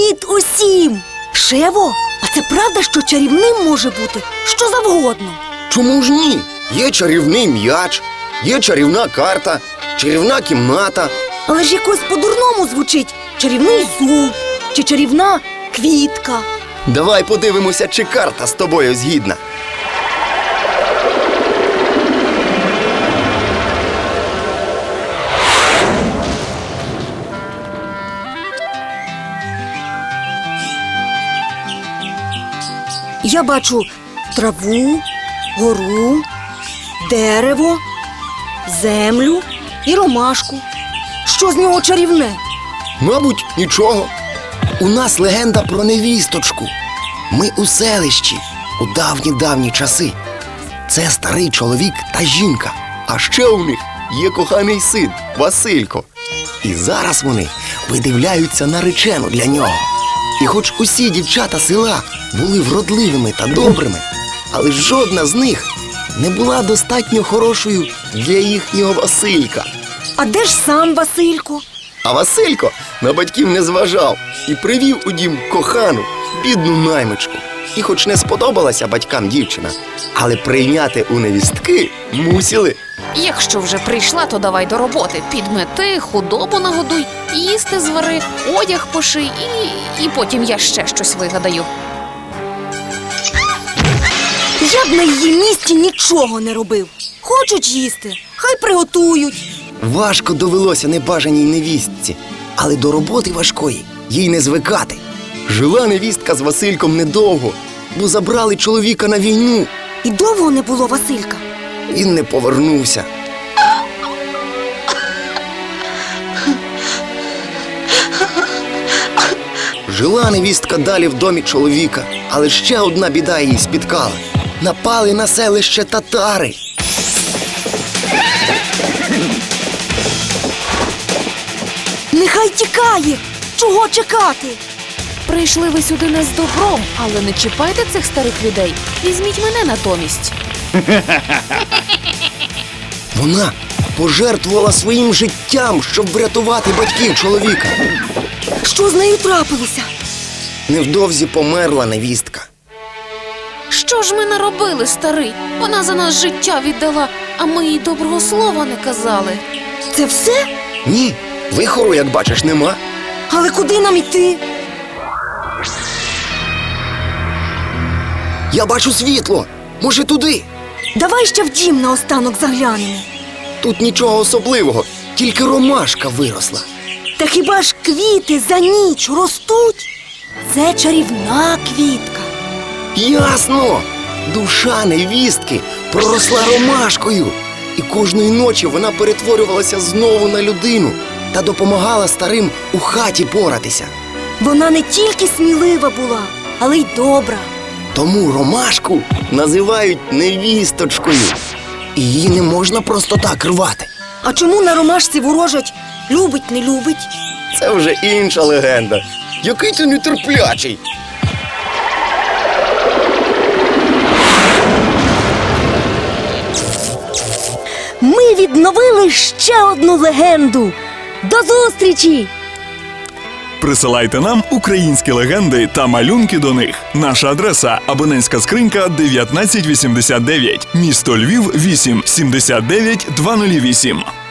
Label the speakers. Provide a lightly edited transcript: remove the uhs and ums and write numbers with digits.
Speaker 1: Привіт усім! Шево, а це правда, що чарівним може бути що завгодно?
Speaker 2: Чому ж ні? Є чарівний м'яч, є чарівна карта, чарівна кімната.
Speaker 1: Але ж якось по-дурному звучить чарівний зуб чи чарівна квітка.
Speaker 2: Давай подивимося, чи карта з тобою згідна.
Speaker 1: Я бачу траву, гору, дерево, землю і ромашку. Що з нього чарівне?
Speaker 2: Мабуть, нічого. У нас легенда про невісточку. Ми у селищі у давні-давні часи. Це старий чоловік та жінка. А ще у них є коханий син Василько. І зараз вони видивляються наречену для нього. І хоч усі дівчата села були вродливими та добрими, але жодна з них не була достатньо хорошою для їхнього Василька.
Speaker 1: А де ж сам Василько?
Speaker 2: А Василько на батьків не зважав і привів у дім кохану, бідну наймичку. І хоч не сподобалася батькам дівчина, але прийняти у невістки мусили.
Speaker 3: Якщо вже прийшла, то давай до роботи. Підмети, худобу нагодуй, їсти звари, одяг поший і потім я ще щось вигадаю.
Speaker 1: Я б на її місці нічого не робив. Хочуть їсти, хай приготують.
Speaker 2: Важко довелося небажаній невістці, але до роботи важкої їй не звикати. Жила невістка з Васильком недовго, бо забрали чоловіка на війну.
Speaker 1: І довго не було Василька.
Speaker 2: Він не повернувся. Жила невістка далі в домі чоловіка, але ще одна біда її спіткала. Напали на селище татари.
Speaker 1: Нехай тікає! Чого чекати?
Speaker 3: Прийшли ви сюди не з добром, але не чіпайте цих старих людей. Візьміть мене натомість.
Speaker 2: Вона пожертвувала своїм життям, щоб врятувати батьків чоловіка.
Speaker 1: Що з нею трапилося?
Speaker 2: Невдовзі померла невістка.
Speaker 3: Що ж ми наробили, старий? Вона за нас життя віддала, а ми їй доброго слова не казали.
Speaker 1: Це все?
Speaker 2: Ні, вихору, як бачиш, нема.
Speaker 1: Але куди нам іти?
Speaker 2: Я бачу світло. Може, туди?
Speaker 1: Давай ще в дім наостанок заглянемо.
Speaker 2: Тут нічого особливого, тільки ромашка виросла.
Speaker 1: Та хіба ж квіти за ніч ростуть? Це чарівна квітка.
Speaker 2: Ясно! Душа невістки проросла ромашкою. І кожної ночі вона перетворювалася знову на людину та допомагала старим у хаті поратися.
Speaker 1: Вона не тільки смілива була, але й добра.
Speaker 2: Тому ромашку називають невісточкою. І її не можна просто так рвати.
Speaker 1: А чому на ромашці ворожать любить, не любить?
Speaker 2: Це вже інша легенда. Який ти нетерплячий.
Speaker 1: Ми відновили ще одну легенду. До зустрічі!
Speaker 4: Присилайте нам українські легенди та малюнки до них. Наша адреса – абонентська скринька 1989, місто Львів, 8 79 208.